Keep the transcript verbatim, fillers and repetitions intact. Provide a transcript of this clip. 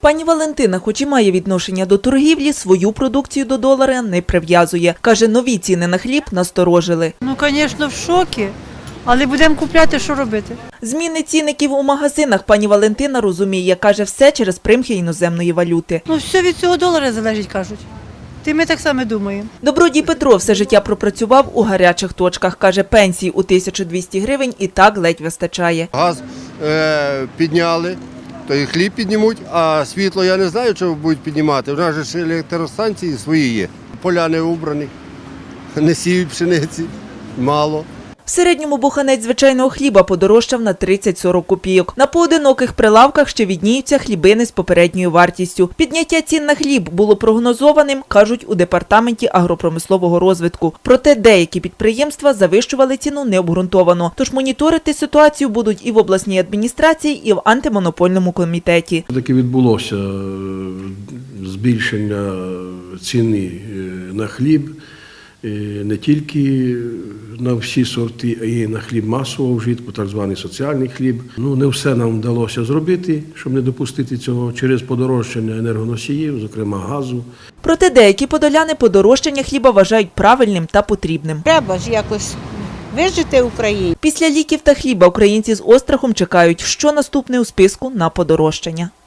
Пані Валентина, хоч і має відношення до торгівлі, свою продукцію до долара не прив'язує. Каже, нові ціни на хліб насторожили. Ну, звісно, в шокі, але будемо купляти, що робити. Зміни цінників у магазинах пані Валентина розуміє. Каже, все через примхи іноземної валюти. Ну, все від цього долара залежить, кажуть. Ти ми так само думаємо. Добродій Петро все життя пропрацював у гарячих точках. Каже, пенсії у тисячу двісті гривень і так ледь вистачає. Газ е, підняли, то і хліб піднімуть, а світло я не знаю, що будуть піднімати. У нас же ж електростанції свої є. Поля не убрані, не сіють пшениці, мало. В середньому буханець звичайного хліба подорожчав на тридцять-сорок копійок. На поодиноких прилавках ще відніються хлібини з попередньою вартістю. Підняття цін на хліб було прогнозованим, кажуть у департаменті агропромислового розвитку. Проте деякі підприємства завищували ціну необґрунтовано. Тож моніторити ситуацію будуть і в обласній адміністрації, і в антимонопольному комітеті. Таки відбулося збільшення ціни на хліб. Не тільки на всі сорти, а й на хліб масового вжитку, так званий соціальний хліб. Ну, не все нам вдалося зробити, щоб не допустити цього, через подорожчання енергоносіїв, зокрема газу. Проте деякі подоляни подорожчання хліба вважають правильним та потрібним. Треба ж якось вижити в Україні. Після ліків та хліба українці з острахом чекають, що наступне у списку на подорожчання.